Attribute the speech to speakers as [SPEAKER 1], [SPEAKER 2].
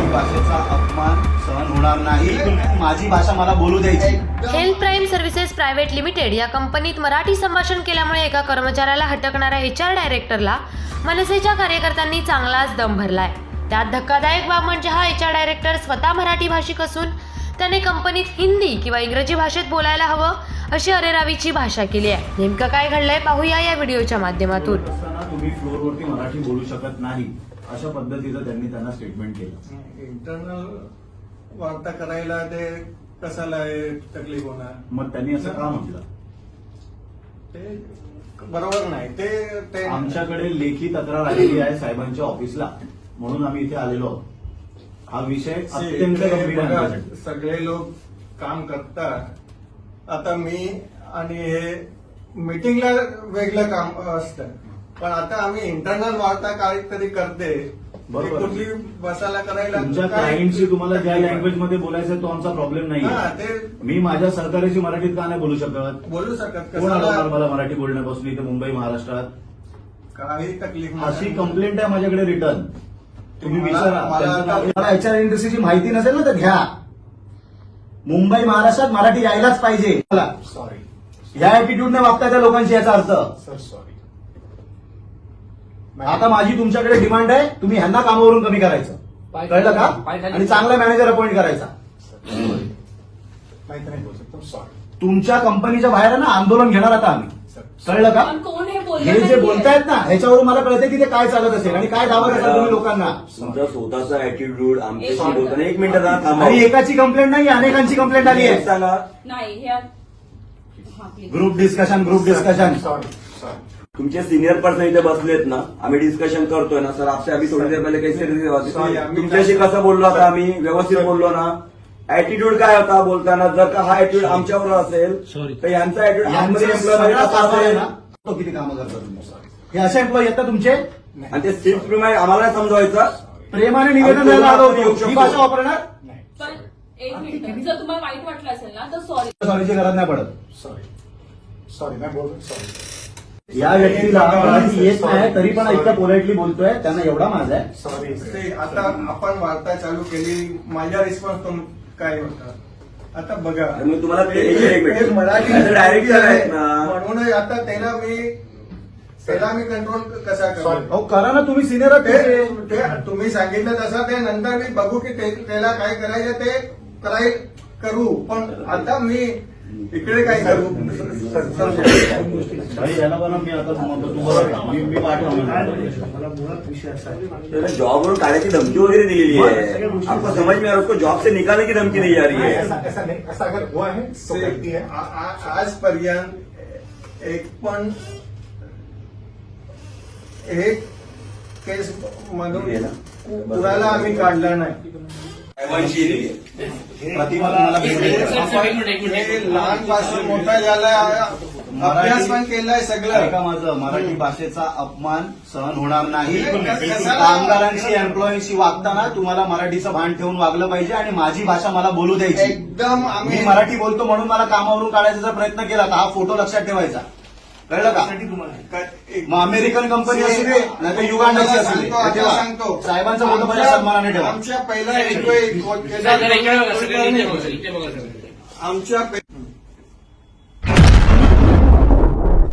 [SPEAKER 1] भाषेचा अपमान सहन होणार नाही. माझी भाषा मला बोलू द्यायची.
[SPEAKER 2] Health prime services private limited या कंपनीत मराठी संभाषण केल्यामुळे एका कर्मचाऱ्याला हटकणाऱ्या HR डायरेक्टरला मनसेच्या कार्यकर्त्यांनी चांगलाच दम भरलाय. त्यात धक्कादायक बाब म्हणजे हा HR डायरेक्टर स्वतः मराठी भाषिक असून त्याने कंपनीत हिंदी किंवा इंग्रजी भाषेत बोलायला हवं अशी अरेरावीची भाषा केली आहे. नेमकं काय घडलंय पाहूया या व्हिडिओच्या माध्यमातून.
[SPEAKER 1] तुम्ही फ्लोअरवरती मराठी बोलू शकत नाही अशा पद्धतीचं त्यांना स्टेटमेंट केलं.
[SPEAKER 3] इंटरनल वार्ता करायला ते कशाला तकलीफ होणार.
[SPEAKER 1] मग त्यांनी असं का म्हटलं?
[SPEAKER 3] ते बरोबर नाही. ते
[SPEAKER 1] आमच्याकडे लेखी तक्रार आलेली आहे साहेबांच्या ऑफिसला, म्हणून आम्ही इथे आलेलो आहोत. हा विषय अत्यंत गंभीर आहे.
[SPEAKER 3] सगळे लोक काम करतात. आता मी आणि हे मीटिंगला वेगळं काम असतं, पण आता आम्ही इंटरनल वार्ता काहीतरी करते.
[SPEAKER 1] बरोबर.
[SPEAKER 3] कुठली बसायला करायला
[SPEAKER 1] तुमच्या क्लायंटशी तुम्हाला ज्या लँग्वेज मध्ये बोलायचं तो आमचा प्रॉब्लेम नाही.
[SPEAKER 3] ते
[SPEAKER 1] मी माझ्या सरकाराशी मराठीत का नाही बोलू शकत?
[SPEAKER 3] बोलू शकत.
[SPEAKER 1] कोण आलं मला मराठी बोलण्यापासून इथे मुंबई महाराष्ट्रात?
[SPEAKER 3] काही तकलीफ नाही.
[SPEAKER 1] अशी कंप्लेंट आहे माझ्याकडे रिटर्न. तुम्ही विचारा.
[SPEAKER 3] मला
[SPEAKER 1] HR इंडस्ट्रीची माहिती नसेल ना तर घ्या. मुंबई महाराष्ट्रात मराठी यायलाच पाहिजे.
[SPEAKER 3] सॉरी,
[SPEAKER 1] या ऍटिट्यूडने वागता त्या लोकांशी याचा अर्थ.
[SPEAKER 3] Sir sorry.
[SPEAKER 1] आता माझी तुमच्याकडे डिमांड आहे, तुम्ही ह्यांना कामावरून कमी करायचं. कळलं का? आणि चांगला मॅनेजर अपॉइंट करायचा.
[SPEAKER 3] माहिती नाही बोलू शकतो. सॉरी.
[SPEAKER 1] तुमच्या कंपनीच्या बाहेर आहे ना आंदोलन घेणार आता आम्ही. कळलं का? हे जे बोलतायत ना ह्याच्यावरून मला कळतं की ते काय चालत असेल आणि काय दावा करतात तुम्ही लोकांना.
[SPEAKER 4] तुमचा स्वतःचा ऍटिट्यूड आमच्याशी बोलताना 1 मिनिट थांबा.
[SPEAKER 1] आणि एकाची कंप्लेंट नाही, अनेकांची कंप्लेंट आली आहे.
[SPEAKER 4] सांगा.
[SPEAKER 1] Group discussion.
[SPEAKER 3] सॉरी.
[SPEAKER 4] तुमचे सिनियर पर्सन इथे बसलेत ना, आम्ही डिस्कशन करतोय ना सर. आपसे आम्ही थोडी देर पहिले काही तुमच्याशी कसं बोललो आता आम्ही? व्यवस्थित बोललो ना? ऍटिट्यूड काय होता बोलताना? जर का हा ऍटिट्यूड आमच्यावर असेल तर यांचा ऍटिट्यूड
[SPEAKER 1] तो किती कामं करतात तुम्ही? हे असे एम्प्लॉई आहेत का तुमचे?
[SPEAKER 4] आणि ते सिक्स प्रमाणे आम्हाला नाही समजवायचं.
[SPEAKER 1] प्रेमाने निवेदन द्यायला आलो होतो. ही भाषा वापरणार?
[SPEAKER 5] पण एक मिनिट, जर तुम्हाला वाईट वाटलं असेल ना तर सॉरी.
[SPEAKER 1] सॉरीची गरज नाही पडत.
[SPEAKER 3] सॉरी नाही बोलत. सॉरी.
[SPEAKER 1] या व्यक्तीला मराठी येत नाही तरी पण इतकं पोलाइटली बोलतोय, त्यांना एवढा माझा आहे.
[SPEAKER 3] सॉरी. आता आपण वार्ता चालू केली. माझा रिस्पॉन्स काय होता आता बघा.
[SPEAKER 4] मग तुम्हाला
[SPEAKER 3] ते मराठी
[SPEAKER 4] डायरेक्टर आहेत ना,
[SPEAKER 3] म्हणून आता त्याला मी कंट्रोल कसा करू?
[SPEAKER 1] अहो करा ना, तुम्ही सिनियर आहात.
[SPEAKER 3] ते तुम्ही सांगितलं तसं ते नंतर मी बघू की त्याला काय करायचं ते करू. पण आता मी इकडे काय करू?
[SPEAKER 1] याला बघा, मी आता मी
[SPEAKER 4] जॉबवरून काढायची धमकी वगैरे दिलेली आहे. आपको समझ में आ रहा है? उसको जॉब से निकालने की धमकी दी जा रही है.
[SPEAKER 3] ऐसा अगर हुआ है तो व्यक्ती है. आजपर्यंत एक केस मधून कुणाला आम्ही काढला नाही. लहानपासून मोठा झाला, अभ्यास पण केलाय सगळं.
[SPEAKER 1] का माझं मराठी भाषेचा अपमान सहन होणार नाही. कामगारांशी एम्प्लॉईशी वागताना तुम्हाला मराठीचं भान ठेवून वागलं पाहिजे आणि माझी भाषा मला बोलू द्यायची.
[SPEAKER 3] एकदम
[SPEAKER 1] मी मराठी बोलतो म्हणून मला कामावरून काढायचा जर प्रयत्न केला तर हा फोटो लक्षात ठेवायचा. कळलं का? मग अमेरिकन कंपनी असू दे नाही तर युगांडाची असू दे,
[SPEAKER 3] सांगतो
[SPEAKER 1] साहेबांचा फोटो माझ्या सन्मानाने ठेवा.
[SPEAKER 3] आमच्या पहिला